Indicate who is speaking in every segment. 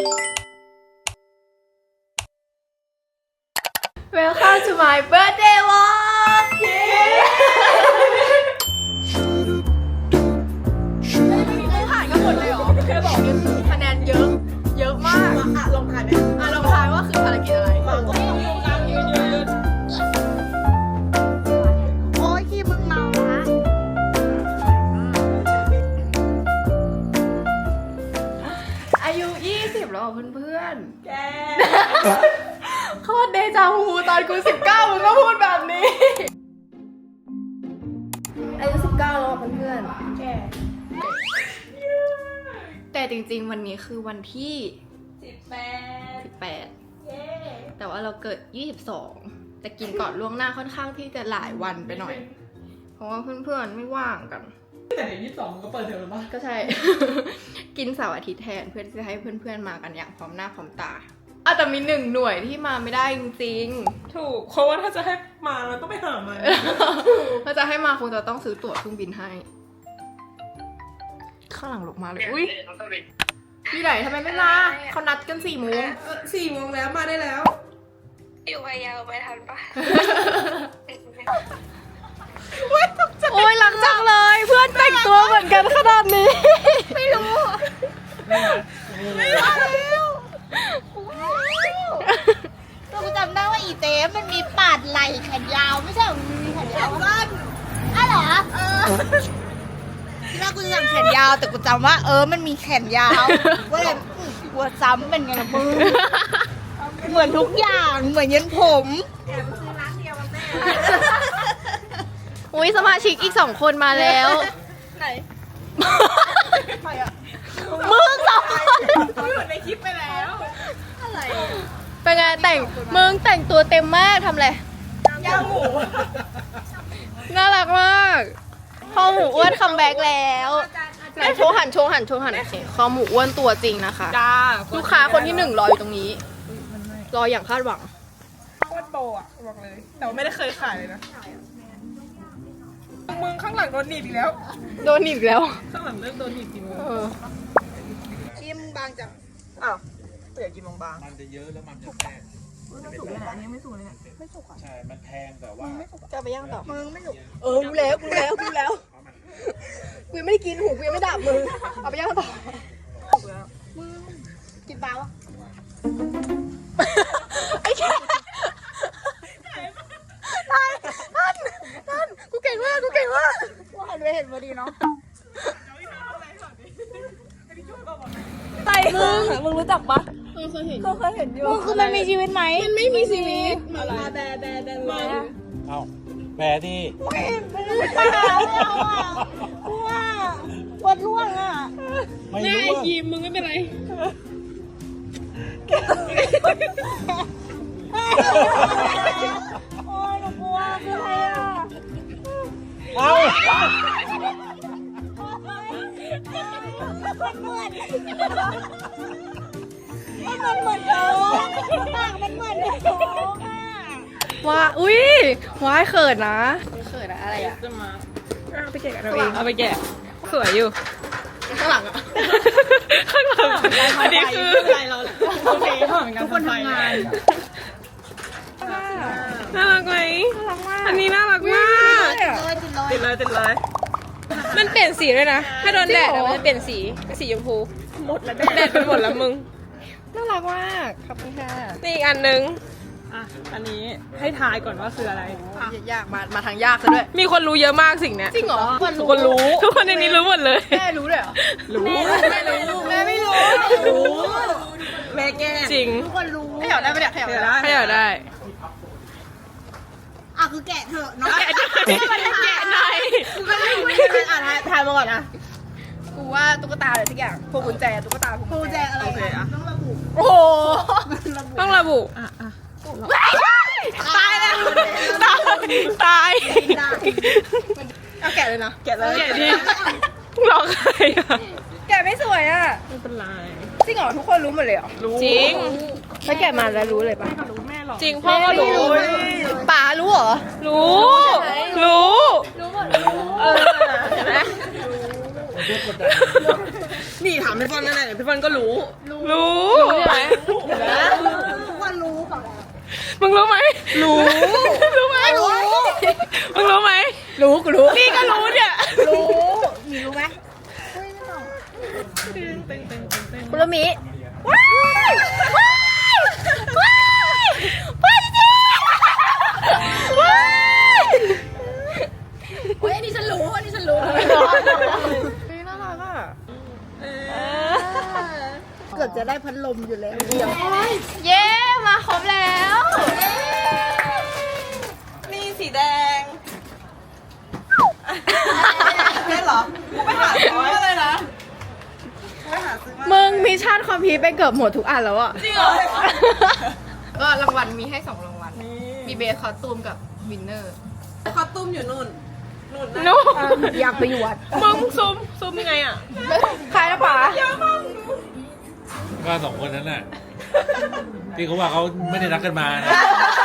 Speaker 1: Welcome to my birthday vlog เย้ไม่ผ่านก็หมดเลยเหรอแค่บอกเนี่ยคือคะแนนเยอะมากลองทายไหมลองทายว่าคือภารกิจอะไร
Speaker 2: โอ้ยขี้มึงเมาละ
Speaker 1: อายุ20แล้วเพื่อนๆแกโคตรเดจาวูตอนกู19มึงก็พูดแบบนี้อายุ19แล้วเพื่อนๆแกแต่จริงๆวันนี้คือวันที่18แต่ว่าเราเกิด22แต่กินก่อนล่วงหน้าค่อนข้างที่จะหลายวันไปหน่อยเพราะว่าเพื่อนๆไม่ว่างกัน
Speaker 3: แต่ใน22มันก็เปิดเทอมแล้วป่ะ
Speaker 1: ก็ใช่ กินเสาร์อาทิตย์แทนเพื่อจะให้เพื่อนๆมากันอย่างพร้อมหน้าพร้อมตาแต่มี1หน่วยที่มาไม่ได้จริง
Speaker 3: ๆถูกเพราะว่าถ้าจะให้มาเราต้องไปหามัน
Speaker 1: ถ้าจะให้มาคงจะต้องซื้อตั๋วเครื่องบินให้ข้างหลังลงมาเลยอุ้ยพี่ไหนทำไมไม่มาเขานัดกัน4 โมง
Speaker 3: 4 โมงแล้วมาได้แล้ว
Speaker 2: อยู่พะเยาไปทันปะ
Speaker 1: โอ้ยหลังจังเลยเพื่อนแต่งตัวเหมือนกันขนาดนี้ไม่รู้
Speaker 2: ก็กูจำได้ว่าอีเต้มันมีปาดไหล่แขนยาวไม่ใช่มันมีแขนยาวสั้นอ้าวเหรอที่แรกกูจะจำแขนยาวแต่กูจำว่ามันมีแขนยาวก็เลยกลัวซ้ำเป็นไงล่ะมึงเหมือนทุกอย่างเหมือนยันผมแอบซื้อร้านเดียวกันแน่
Speaker 1: อุ้ยสมาชิกอีก2 คนมาแล้ว
Speaker 2: ไหนใครอะ
Speaker 1: มึง2 คน
Speaker 3: เขาอยู่ในคลิปไปแล้ว
Speaker 2: อะไร
Speaker 1: เป็นไงมึงแต่งตัวเต็มมากทำอะไร
Speaker 3: ย่างหมู
Speaker 1: น่ารักมากคอหมูอ้วนคัมแบ็กแล้วไหนโชว์หันโอเคคอหมูอ้วนตัวจริงนะคะลูกค้าคนที่1รออยู่ตรงนี้รออย่างคาดหวัง
Speaker 3: โคตรโปอ่ะบอกเลยแต่ว่าไม่ได้เคยขายเลยนะมึงข้างหลังโดนหนีบอีกแล้ว
Speaker 1: โดนหนีบแล้ว
Speaker 3: ข้างหลังเริ่มโดนหนีบจริงเลย
Speaker 2: กินบางจัง
Speaker 3: อ้าวเปลี่ยนกินบาง
Speaker 4: มันจะเยอะแล้วมันจะแพง
Speaker 3: สุกเลยนะยังไม่สุกเลย
Speaker 2: ไม่สุกอ่ะ
Speaker 4: ใช่มันแพงแต่ว่า
Speaker 1: จะไปย่างต่อ
Speaker 2: มึงไม่สุก
Speaker 1: รู้แล้วกูยังไม่ได้กินหูกูยังไม่ดับมึงเอาไปย่างต่อ
Speaker 2: มึงกินปลาวะ
Speaker 1: ไอ้แค่ท่านกูเก่งมาก
Speaker 2: ว่าหันไปเห็นพอดีเนาะ
Speaker 1: มึงรู้จักปะเคยเห็นอยู่
Speaker 2: คือมันมีชีวิตไหม
Speaker 1: มันไม่มีชีวิต
Speaker 2: มาแบ
Speaker 4: เอ้าแบที่
Speaker 2: ไม่ปลาแล้วอ่ะว่าปวดร่วงอ่ะ
Speaker 4: ไม่รู้ว่า
Speaker 3: ยีมมึงไม่เป็นไร
Speaker 2: โอ้ยหนูกลัวคืออะไรอ่ะ
Speaker 4: เอ้า
Speaker 2: มันเหมือนโจ๊กปากมันเหมือนโจ๊กอ่ะ
Speaker 1: ว้าอุ้ยว้ายเขินนะอะไรอ่ะ
Speaker 3: จะมาเอาไปแกะกันเราเองเอาไปแกะสวยอยู่
Speaker 1: ข้างหลังอ่ะ
Speaker 3: ข้างหลังอันนี้คืออะไรเราโอเคทุกคนทำงานน่ารักไหมอันนี้น่ารักมากติดเลยมันเปลี่ยนสีด้วยนะถ้าโดนแดดมันเปลี่ยนสีเป็นสีชมพูหมดแล้วแดดไปหมดแล้วมึง
Speaker 1: น่ารักมากขอบคุณค่ะ
Speaker 3: นี่อีกอันนึงอันนี้ให้ทายก่อนว่าคืออะไร
Speaker 1: ยากมาทางยากซะด้วย
Speaker 3: มีคนรู้เยอะมากสิ่งเนี้ย
Speaker 1: จริงเหรอ
Speaker 3: ทุกคนรู้ทุกคนในนี้รู้หมดเลย
Speaker 1: แม่รู้เลยเหรอ
Speaker 3: รู้
Speaker 1: แม่ไม่รู้
Speaker 3: แม่แก้จริง
Speaker 2: ทุกคนรู้
Speaker 1: ให้อยากได้ไป
Speaker 3: ให้อยากได้
Speaker 2: คือแกะเถอะเนาะ
Speaker 3: แกะหน่อย
Speaker 1: ทายมาก่อนนะกูว่าตุ๊กตาอะไรสักอย่างพวงกุญแจตุ๊กตาพวง
Speaker 2: กุญแจอะไรต้องระบุ
Speaker 1: โอ้โห
Speaker 3: ต้องระบุตายแล้วตาย
Speaker 1: เอาแกะเลยนะ
Speaker 3: แกะดิร้องใครอ่ะ
Speaker 1: แกะไม่สวยอ่ะ
Speaker 3: ไม่เป็นไร
Speaker 1: จริงเหรอทุกคนรู้หมดเลยเหรอ
Speaker 3: จริง
Speaker 1: ถ้าแกะมาแล้วรู้เลยปะ
Speaker 3: จริงพ่อก็รู้
Speaker 1: ป๋ารู้เหรอ
Speaker 3: รู้หมดเห็นไหมนี่ถามพี่ฟอนนั่นแหละพี่ฟอนก็รู้
Speaker 2: ทุกคนรู้บอกแล้ว
Speaker 3: มึงรู้ไหมรู้รู้ไหมมึงรู้ไหมรู้กูรู้นี่ก็รู้เนี่ย
Speaker 2: รู้มีรู้ไหม
Speaker 1: คุโรมิ
Speaker 2: ว้ายว้ายว้ายว้ายจริงว้ายโอ้ยอันนี้ฉันรู้อันนี้ฉันรู้
Speaker 1: น่ารักอ่ะ
Speaker 2: เกือบจะได้พัดลมอยู่แล้ว
Speaker 1: เย้ มาครบแล้ว
Speaker 3: นี่สีแดงได้เหรอกูไปหาซื้อมาเลยนะ
Speaker 1: มึงมิชชั่นคอมพลีทไปเกือบหมดทุกอันแล้วอ่ะ
Speaker 3: จริงเหรอ
Speaker 1: ก็รางวัลมีให้2รางวัล มีเบสคอสตูมกับวินเนอร์
Speaker 3: คอสตูมอยู่นู่นนู่นนะ
Speaker 1: นู้
Speaker 2: อยากไปอยู่วัด
Speaker 3: มึงซูมยังไงอ่ะ
Speaker 1: ใครนะป๋า
Speaker 4: ก็สองคนนั้นน่ะ ที่เขาว่าเขาไม่ได้รักกันมานะ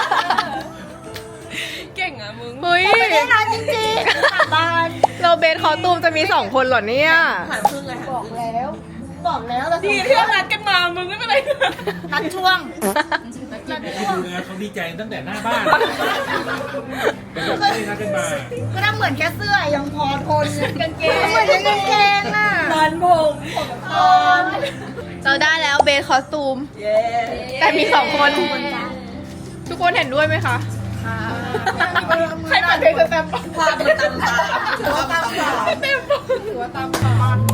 Speaker 3: เก่งอ่ะมึง
Speaker 1: เฮ้ย
Speaker 2: ไม่ได้นานจริงๆบ้าน
Speaker 1: เราเบสคอสตูมจะมี2คนเหรอเนี่ย
Speaker 3: หายพึ่งเลย
Speaker 2: บอกแล้วบอกแล้วเรา
Speaker 3: ดีที่เรานัดกันมามึงไม่เป็นไร
Speaker 2: นัดช่วง
Speaker 4: ให้ดูนะเขาดีใจตั้งแต่หน้าบ้านแต่แบบไม่ได้รักกันมา
Speaker 2: ก็ทำเหมือนแค่เสื้อยังพอทนกางเกงเหมือนกางเกงน่ะ
Speaker 3: นอนผม
Speaker 1: เราได้แล้วเบสคอสตูม
Speaker 3: เย้
Speaker 1: แต่มี2คน ทุกคนเห็นด้วยไหมคะ ใครเปิดเพลงสแตมป์
Speaker 3: ภาพมันตามตาถือว่าตามตา
Speaker 1: ถือว่าตามตา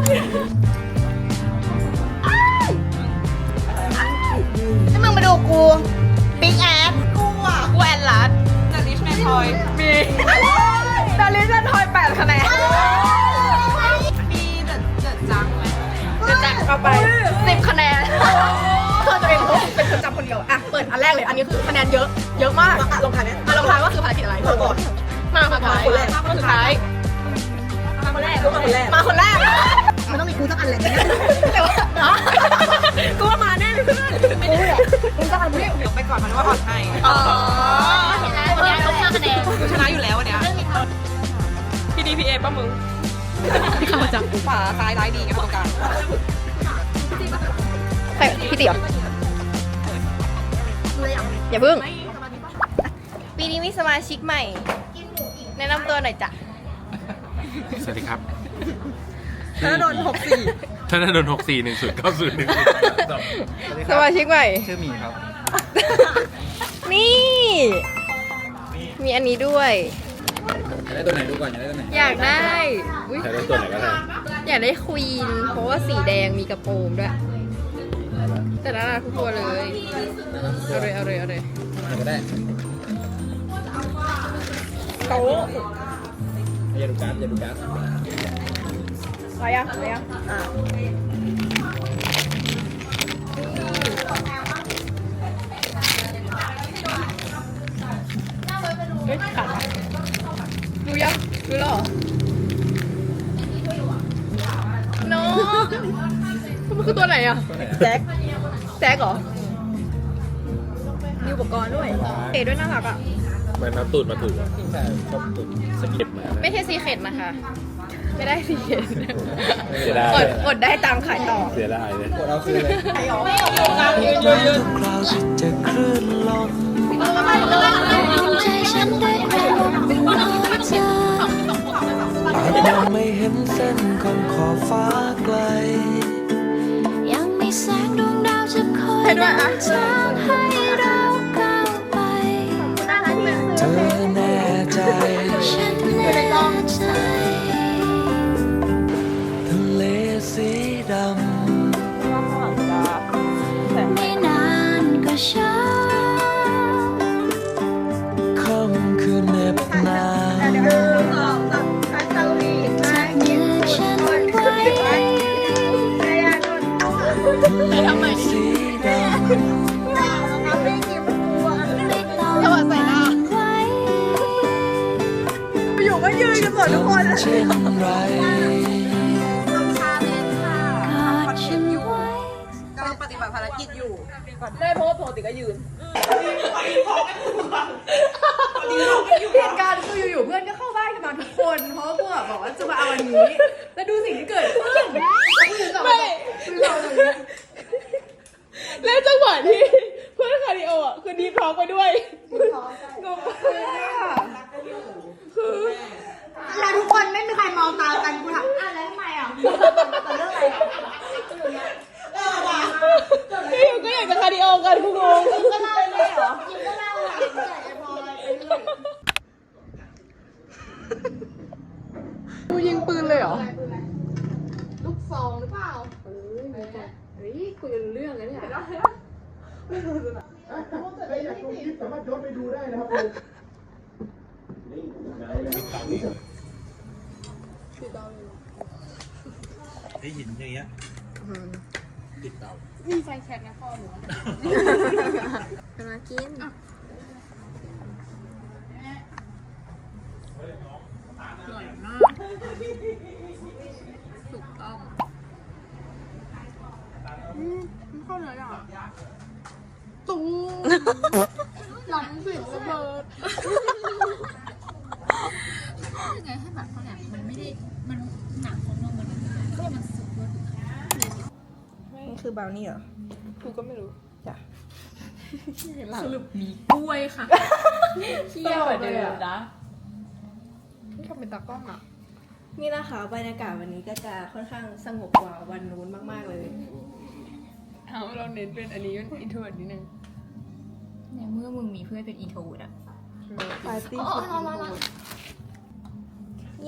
Speaker 2: ถ้ามึงมาดูกูปิ๊กแอด
Speaker 3: กูอ่ะ
Speaker 1: กูแอนลัด
Speaker 3: แต่ลิชแมนทอย
Speaker 1: มีดาริสันทอย8คะแนน
Speaker 3: มีเดอะจังไหม
Speaker 1: จะแจกเข้าไป10คะแนนเธอจะเป็นคนจำคนเดียวอ่ะเปิดอันแรกเลยอันนี้คือคะแนนเยอะมาก
Speaker 3: ลงท้ายไหม
Speaker 1: ลงท้ายว่าคือภารกิจอะไรมาก่อนมาคนท้ายมาคนท้าย
Speaker 3: มาคนแรกรู้มาคนแรก
Speaker 1: มาคนแรก
Speaker 2: มันต้องมีกูสักอันแหละ
Speaker 1: แต่ว่ากูว่ามาแน่เลยเพื่อน
Speaker 2: กูแหละกูสักอันเนี่ย
Speaker 3: เดี๋ยวไปก่อนมันว่าอ่อนให้
Speaker 1: อ๋อ
Speaker 2: วันนี้ต้อง5คะแนน
Speaker 3: กูชนะอยู่แล้ววันเนี้ยพี่ดีพีเอป่ะมึง
Speaker 1: ที่เข้ามาจับ
Speaker 3: ขวาซ้ายร้ายดีกันตรงกลาง
Speaker 1: ใครพี่เตี๋ยวอย่าเพิ่งปีนี้มีสมาชิกใหม่ แนะนำตัวหน่อยจ้ะ
Speaker 4: สวัสดีครับ
Speaker 3: ถ้าโดน64
Speaker 4: ถ้าโดน641090
Speaker 1: สมาชิกใหม่
Speaker 4: ชื่อมีครับ
Speaker 1: นี่ มีอันนี้ด้วย
Speaker 4: อยากได้ตัวไหนดูก่อนอยากได้ตัวไหน
Speaker 1: อยากได้อุ๊ย
Speaker 4: อยากได้ตัวไหนก็ได้
Speaker 1: อยากได้ควีน เพราะว่าสีแดงมีกระโปรงด้วย แต่น่ารักทุกตัวเลย เอาเลย
Speaker 4: ก็ได้
Speaker 1: โต๊ะ
Speaker 4: อย่าดูการ์ดอย่าดูการ์ด
Speaker 1: อะไรอ่ะเฮ้ยขาดดูยังดูแล้วเหรอน้องมันคือตัวไหนอ่ะ
Speaker 3: แจ็ค
Speaker 1: แจ็คเหรอ มีอุปกรณ์ด้วยเตะด้วยน่ารักอ่ะ
Speaker 4: มันเอาตูดมาถูกแต่ชอบตูดสกิปมา
Speaker 1: ไม่ใช่ซีเคร็ตนะคะ ไม่ได้ซีเคร็ต
Speaker 4: เสียดาย
Speaker 1: อดได้ตังค์ขายต่อ
Speaker 4: เสียดายเลย
Speaker 5: คราวที่จะคลื่นลมใจฉันได้กระลมของเธอยังไม่เห็นเส้นของขอบฟ้าไกล ยังมีแสงดวงดาวจะคอยนำทางให้เราก้าวไปเธอแน่ใจฉันแน่ใจทะเลสีดำไม่นานก็เช้าค่ำคืนเหน็บหนาวจะยืนฉันไว้ทะเลสีดำไม่ต้องหวั่นไหว
Speaker 1: อยู่ก็ยืนกันหมดทุกคน
Speaker 5: เช่นไรกอดฉันไว้
Speaker 3: กำลังปฏิบัติภารกิจอยู่
Speaker 1: ได้เพราะว่าปกติก็ยืนเหตุการณ์คืออยู่ๆเพื่อนก็เข้าบ้านกันมาทุกคน เพราะว่าพวกบอกว่าจะมาเอาอันนี้ แล้วดูสิ่งที่เกิดขึ้นไม่
Speaker 3: แล้วจังหวะที่เพื่อนคาร์ดิโออ่ะคือดีท้องไปด้วยงงมากคือ
Speaker 2: แล้วทุกคนไม่มีใครมองตากันกูถามอ้าวแล้วทำไมอ่ะแต่เรื่องอะไรอ่ะ
Speaker 3: พี่อยู่ก็อยากจะคาร์ดิโอกันกูงง
Speaker 2: ก็เล่าเลยเหรอยิงก็เล่าอ่ะยิงก็ไอ้พลอยไปเรื่อย
Speaker 3: กูยิงปืนเลยเหรอ
Speaker 1: ลูกซองหรือเปล่า
Speaker 4: ไอ้หินอย่างเงี้ยติดเตา
Speaker 1: มากิน
Speaker 2: หลังสิระเบิด
Speaker 1: นี่คือบราวนี่เหรอ
Speaker 3: กูก็ไม่รู้
Speaker 1: สรุปมีกล้วยค่ะเที่ยวเดิมนะ
Speaker 3: นี่ทำเป็นตากล้องอ่ะ
Speaker 1: นี่นะคะบรรยากาศวันนี้ก็จะค่อนข้างสงบกว่าวันนู้นมากๆเลย
Speaker 3: เอาเราเน้นเป็นอันนี้เป็นอินโทรนิดนึง
Speaker 1: ในเมื่อมึงมีเพื่อนเป็นอีโทดอะ
Speaker 3: ปาร์ตี้
Speaker 1: เย้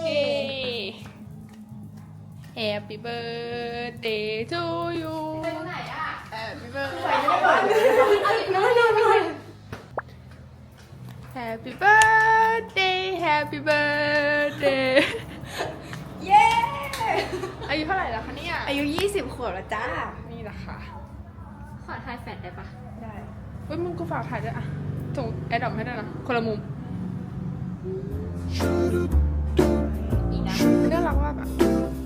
Speaker 3: Happy birthday to you
Speaker 1: ไปตรงไหนอะ
Speaker 3: Happy birthday Happy birthday Happy birthday
Speaker 1: เย้
Speaker 3: อายุเท่าไหร่แล้วคะเนี่ย
Speaker 1: อายุ20 ขวบแล้วจ้า
Speaker 3: นี่แหละค่ะ
Speaker 1: ขอทายแฟดได้ปะได้
Speaker 3: เฮ้ยมึงกูฝากถ่ายด้วยอ่ะส่งแอดดอปให้ด้วยนะ คนละมุม
Speaker 1: อีกนะ
Speaker 3: น่ารักมากอ่ะ